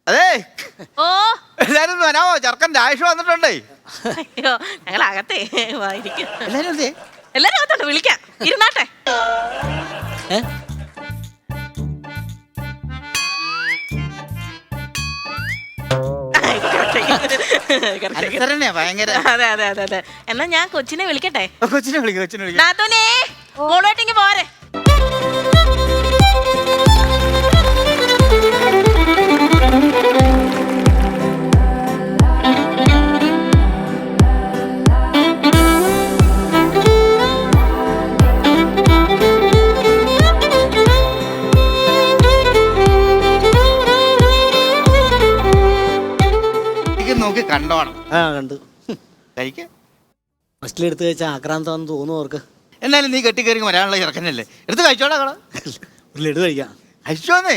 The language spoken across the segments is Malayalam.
അതെ ഓ എല്ലാരും വരാമോ? ചെറുക്കൻ്റെ ആയുഷ് വന്നിട്ടുണ്ടേ. അയ്യോ ഞങ്ങൾ അകത്തേ വായിരിക്കും. എല്ലാരും എന്തേ? എല്ലാരും അകത്തുണ്ട്, വിളിക്കാം. ഇരുന്നാട്ടെ. ഭയങ്കര. അതെ അതെ അതെ അതെ. എന്നാ ഞാൻ കൊച്ചിനെ വിളിക്കട്ടെ. കൊച്ചിനെ വിളിക്കാം. നാത്തൂനേ മോളോട്ടിങ്ങ് പോരെ. നോക്കി കണ്ടോണം. കണ്ടു കഴിക്ക. ഫസ്റ്റിലെടുത്ത് കഴിച്ചാൽ ആക്രാന്തമാണെന്ന് തോന്നുന്നു അവർക്ക്. എന്നാലും നീ കെട്ടിക്കയറി വരാനുള്ള ചെറുക്കനല്ലേ, എടുത്ത് കഴിച്ചോടാ. കള ഒരു ലഡു കഴിക്കാം. കഴിച്ചോന്നേ.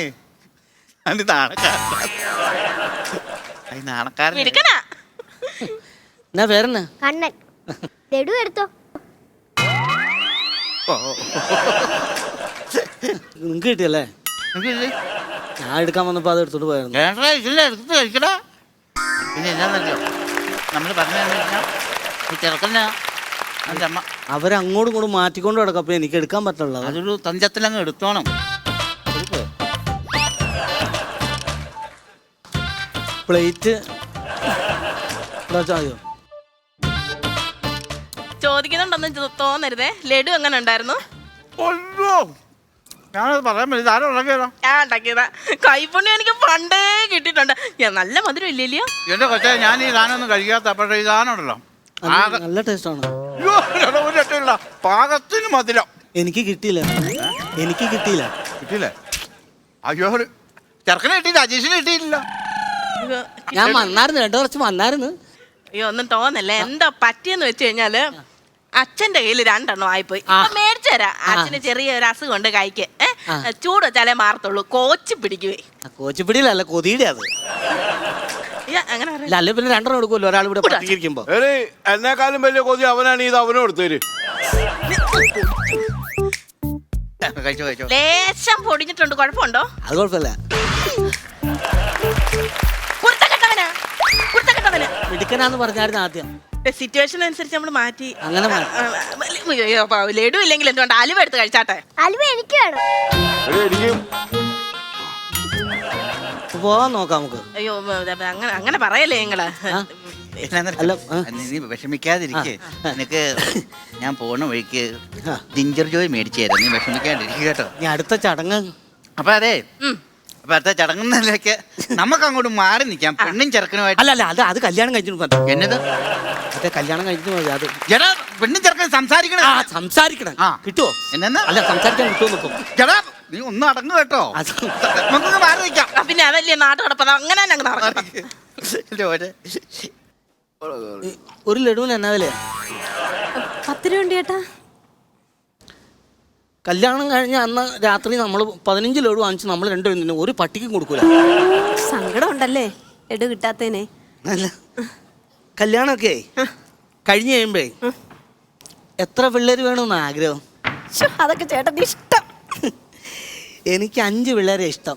നാണക്കാരൻ. എന്നാ പേരെന്നാ? കണ്ണൻ. ലഡു എടുത്തോ. നിങ്ങക്ക് കിട്ടിയല്ലേ? ഞാൻ എടുക്കാൻ വന്നപ്പോ അത് എടുത്തോണ്ട് പോയായിരുന്നു. എടുത്ത് കഴിക്കടാ. പിന്നെ എന്നാന്നല്ലോ നമ്മള് പറഞ്ഞു ചെറുക്കനാ എൻ്റെ അമ്മ. അവരങ്ങോട്ടും ഇങ്ങോട്ടും മാറ്റിക്കൊണ്ട് കിടക്കും. അപ്പൊ എനിക്ക് എടുക്കാൻ പറ്റുള്ളൂ. അതൊരു തഞ്ചത്തിലങ്ങ് എടുത്തോണം. പ്ലേറ്റ് ചോദിക്കുന്നുണ്ടെന്ന് തോന്നരുതേ. ലഡു എങ്ങനെ ഉണ്ടായിരുന്നു? ഞാനത് പറയാൻ പറ്റില്ല. ആരും ഉണ്ടാക്കിയതാ? ഞാൻ ഉണ്ടാക്കിയതാ. കൈപ്പുണ്യം എനിക്ക് പണ്ടേ കിട്ടിയിട്ടുണ്ട്. നല്ല മധുരം ഇല്ലല്ലോ എന്റെ കൊച്ചേ. ഞാൻ ഈ സാധനം ഒന്നും കഴിക്കാത്ത, പക്ഷേ ഈ സാധനം ഉണ്ടല്ലോ നല്ല ടേസ്റ്റ് ആണ്. ഒരു രക്ഷയില്ല, പാകത്തിന് മധുരം. എനിക്ക് കിട്ടിയില്ല. കിട്ടിയില്ലേ? അയ്യോ ചെറുക്കനെ കിട്ടിയില്ല, അജീഷിന് കിട്ടിയില്ല. ഞാൻ വന്നായിരുന്നു, 2 വർഷം വന്നായിരുന്നു. അയ്യോ ഒന്നും തോന്നല്ലേ. എന്താ പറ്റിയെന്ന് വെച്ച് കഴിഞ്ഞാല് അച്ഛന്റെ കയ്യിൽ 2 എണ്ണം ആയിപ്പോയി. മേടിച്ചു തരാം. അച്ഛന് ചെറിയൊരു അസുഖം ഉണ്ട് കൈക്ക്. ചൂട് വെച്ചാലേ മാറത്തുള്ളൂ. കോച്ച് പിടിക്കുവേ. കോച്ചിപ്പിടിയിലല്ല, കൊതിയുടെ അത്. അങ്ങനെ അല്ലെ പിന്നെ 2 എണ്ണം എടുക്കുമല്ലോ ഒരാൾ ഇവിടെ പറ്റിയിരിക്കുമ്പോ. എന്നെക്കാളും വലിയ കൊതി അവനാണ്. ഇത് അവനും എടുത്തേര്. ലേശം പൊടിഞ്ഞിട്ടുണ്ട്. കുഴപ്പമുണ്ടോ? അത് കുഴപ്പമില്ല. മിടുക്കനാന്ന് പറഞ്ഞായിരുന്നു ആദ്യം. സിറ്റുവേഷൻ അനുസരിച്ച് നമ്മൾ മാറ്റി. അങ്ങനെ ലഡു ഇല്ലെങ്കിൽ എന്തുകൊണ്ട് അലുവ എടുത്ത് കഴിച്ചാട്ടെ. അലുവ എനിക്ക് വേണം. പോവാൻ നോക്കാം നമുക്ക്. അയ്യോ അങ്ങനെ പറയല്ലേ നിങ്ങള്. നീ വിഷമിക്കാതിരിക്കേ. നിനക്ക് ഞാൻ പോണ വഴിക്ക് ജിഞ്ചർ ജോയ് മേടിച്ചു തരാം. നീ വിഷമിക്കാണ്ടിരിക്കുക കേട്ടോ. നീ അടുത്ത ചടങ്ങ്. അപ്പൊ അതെ, അപ്പൊ അടുത്ത ചടങ്ങുന്നതിലേക്ക് നമുക്ക് അങ്ങോട്ട് മാറി നിൽക്കാം. പെണ്ണും ചെറുക്കനുമായിട്ട്. അല്ല അത് കല്യാണം കഴിച്ചിട്ട് മതി. എന്നത്? അതെ കല്യാണം കഴിച്ചിട്ട് മതി. അത് ചേട്ടാ പെണ്ണും ചെറുക്കൻ സംസാരിക്കണം. സംസാരിക്കണം. കിട്ടുവോ? എന്നാ അല്ല സംസാരിക്കാൻ കിട്ടുമോ നോക്കും. ചേട്ടാ നീ ഒന്നും അടങ്ങു കേട്ടോ. നമുക്കൊന്ന് മാറി നിൽക്കാം. പിന്നെ അതല്ലേ നാട്ടു കിടപ്പത്. അങ്ങനെ ഒരു ലഡുവിന് എന്നാ വിലയാ? 10 രൂപ ഉണ്ട് ചേട്ടാ. കല്യാണം കഴിഞ്ഞ അന്ന് രാത്രി നമ്മൾ 15 ലഡു വാങ്ങിച്ച് നമ്മൾ 2 പേരും ഒരു പട്ടിക്കും കൊടുക്കൂല. സങ്കടം ഉണ്ടല്ലേ ലഡു കിട്ടാത്തേനെ. അല്ല കല്യാണമൊക്കെ കഴിഞ്ഞ് കഴിയുമ്പേ എത്ര പിള്ളേര് വേണമെന്ന് ആഗ്രഹം? അതൊക്കെ ചേട്ടൻ്റെ ഇഷ്ടം. എനിക്ക് 5 പിള്ളേരെ ഇഷ്ടം.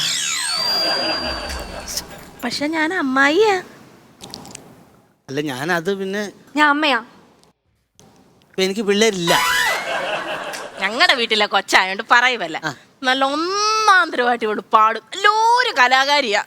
പക്ഷെ ഞാൻ അമ്മായിയാ. അല്ല ഞാനത് പിന്നെ ഞാൻ അമ്മയാ. എനിക്ക് പിള്ളേരില്ല. ഞങ്ങളുടെ വീട്ടിലെ കൊച്ചായോണ്ട് പറയുമല്ല. നല്ല ഒന്നാന്തരമായിട്ട് ഇവിടെ പാടും. നല്ലൊരു കലാകാരിയാ.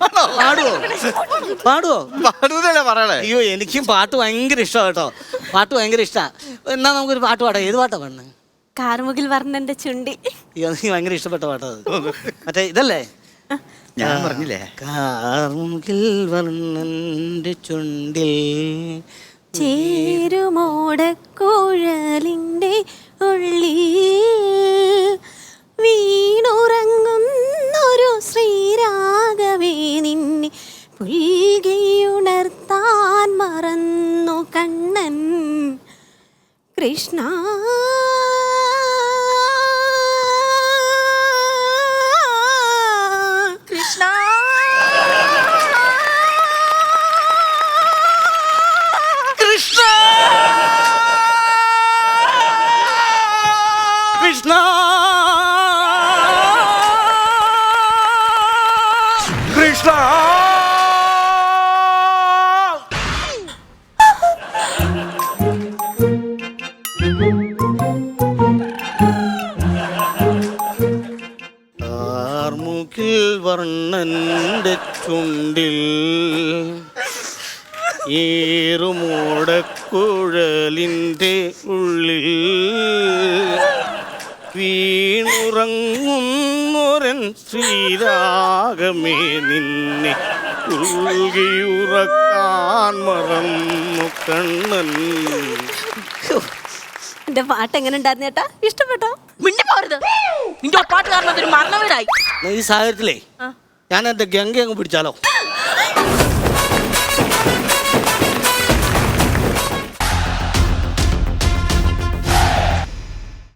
പാടുവോ? പറയണേ. അയ്യോ എനിക്കും പാട്ട് ഭയങ്കര ഇഷ്ടമാണ് കേട്ടോ. പാട്ട് ഭയങ്കര ഇഷ്ടാ. എന്നാ നമുക്കൊരു പാട്ട് പാടാം. ഏത് പാട്ടാ പാടുന്നത്? കാർമുകിൽ വർണ്ണന്റെ ചുണ്ടി. അയ്യോ എനിക്ക് ഭയങ്കര ഇഷ്ടപ്പെട്ട പാട്ടത്. മറ്റേ ഇതല്ലേ ഞാൻ പറഞ്ഞില്ലേ? കാർമുകിൽ വർണ്ണന്റെ ചുണ്ടിൽ ചേരുമോടക്കുഴലിന്റെ ഉള്ളിൽ വീണുറങ്ങുന്നൊരു ശ്രീരാഗവേ നിന്നെ പുൽകിയുണർത്താൻ മറന്നു കണ്ണൻ കൃഷ്ണ. കൃഷ്ണ കൃഷ്ണ കൃഷ്ണ കൃഷ്ണ കാർമുകിൽ വർണ്ണന്റെ ചുണ്ടിൽ ഏറുമൂടക്കുഴലിൻ്റെ ഉള്ളിൽ വീണുറങ്ങുന്നൊരൻ ശ്രീരാഗമേ നിന്നെ ഉൾകിയുറക്കാൻ മറന്നു കണ്ണൻ. എന്റെ പാട്ട് എങ്ങനെ ഉണ്ടായിരുന്നു ചേട്ടാ? ഇഷ്ടപ്പെട്ടോ? മിണ്ടി പോരുത്. നിന്റെ പാട്ട് കാരണം അതൊരു മരണ വീടായി. ഈ സാഹചര്യത്തിലേ ഞാൻ എന്റെ ഗംഗ അങ്ങ് പിടിച്ചാലോ?